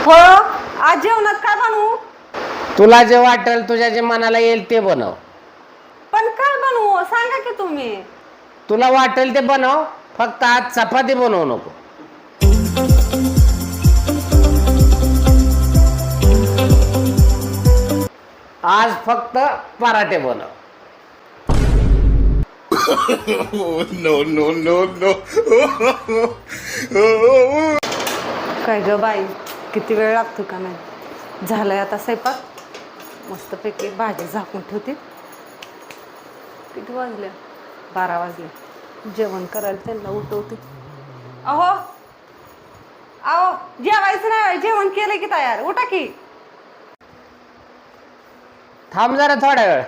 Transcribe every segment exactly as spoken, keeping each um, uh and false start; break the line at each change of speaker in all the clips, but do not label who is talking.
हो आज जेवणात काय बनवू?
तुला जे वाटेल तुझ्या जे मनाला येईल ते बनव.
पण काय बनवू सांगा की तुम्ही.
तुला वाटेल ते बनव, फक्त आज चपाती बनवू नको. आज फक्त पराठे बनव.
No no no no.
काय ग बाई किती वेळ लागतो का नाही. झालंय आता स्वयंपाक. मस्तपैकी भाजी झाकून ठेवते. किती वाजले? बारा वाजले. जेवण करायला त्यांना उठवते. अहो अहो जेवायचं नाही, जेवण केलं की तयार. उठा की.
थांब जरा थोडा वेळ.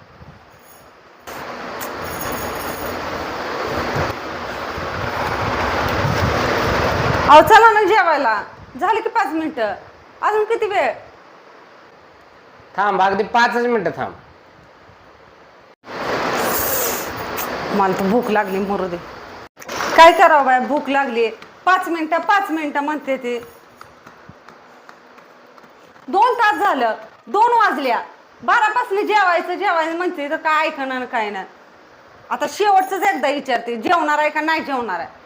अहो चला ना जेवायला. झाले की पाच मिनिटं. अजून किती वेळ?
थांब अगदी पाचच मिनिटं थांब.
मला तर भूक लागली मरू दे. काय करावं बाय, भूक लागली. पाच मिनिटं पाच मिनिटं म्हणते ते. दोन तास झालं, दोन वाजल्या. बारापासून जेवायचं जेवायचं म्हणते तर काय ऐकणार काय नाही. आता शेवटचंच एकदा विचारते, जेवणार आहे का नाही जेवणार आहे.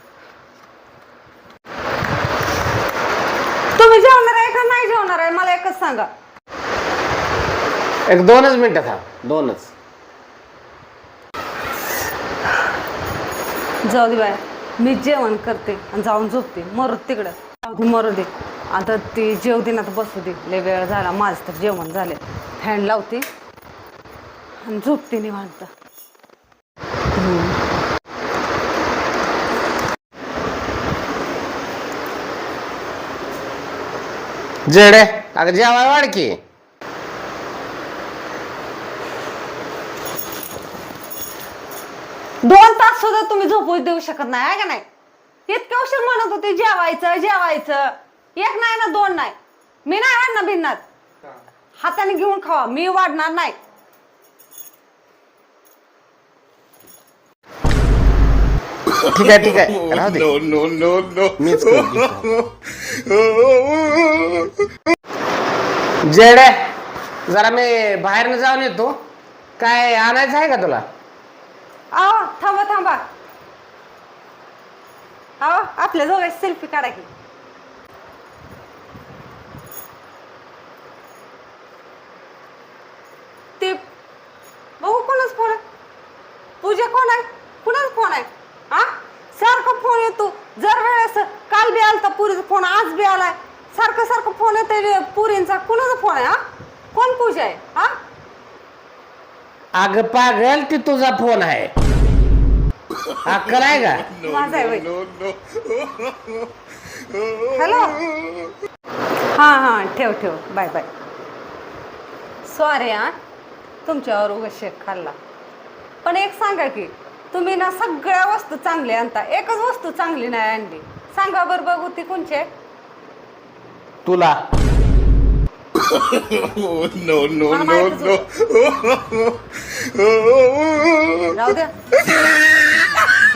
तुम्ही जेवणार आहे का नाही जेवणार आहे मला एकच सांगा.
एक दोनच मिनिटं थांब, दोनच.
जाऊ दे बाय, मी जेवण करते आणि जाऊन झोपते. मरू तिकडं, जाऊ दे मरू दे. आता ती जेव दे ना तर बसू दे. लय वेळ झाला, माझं तर जेवण झाले. फॅन लावते आणि झोपते निवांत.
जेडे अगं जेवाय वाढ की.
दोन तास सुद्धा तुम्ही झोपू देऊ शकत नाही आहे का नाही. इतक्या उशीर म्हणत होते जेवायचं जेवायचं. एक नाही ना दोन नाही. मी नाही वाढणार भिन्नात. हाताने घेऊन खावा, मी वाढणार नाही.
ठीक आहे ठीक आहे राहू दे.
No no no no.
मीच करतो. जेडे जरा मी बाहेरनं जाऊन येतो. काय आणायचं आहे का तुला?
आहो थांबा थांबा. आहो आपल्या दोघांची सेल्फी काढा की. ते बघू कोणाच फोन आहे. पूजा कोण आहे? कुणाच फोन आहे? हा सारखा फोन येतो. जर वेळेस काल बी आलता पुरीचा फोन, आज बी आलाय. सारखं सारखं फोन येतोय पुरींचा. कुणाचा फोन आहे? हा कोण पूजा आहे? हा
अगं पागल, ती तुझा फोन आहे. अक्कल आहे का?
माझा आहे. हॅलो हां हां ठेव ठेव. Bye bye. सॉरी हा तुमच्यावर उगाच शेक खाल्ला. पण एक सांगा की, तुम्ही ना सगळ्या वस्तू चांगल्या आणता, एकच वस्तू चांगली नाही आणली. सांगा बरं बघू ती कोणची आहे?
तुला.
No no no no.
राहू द्या.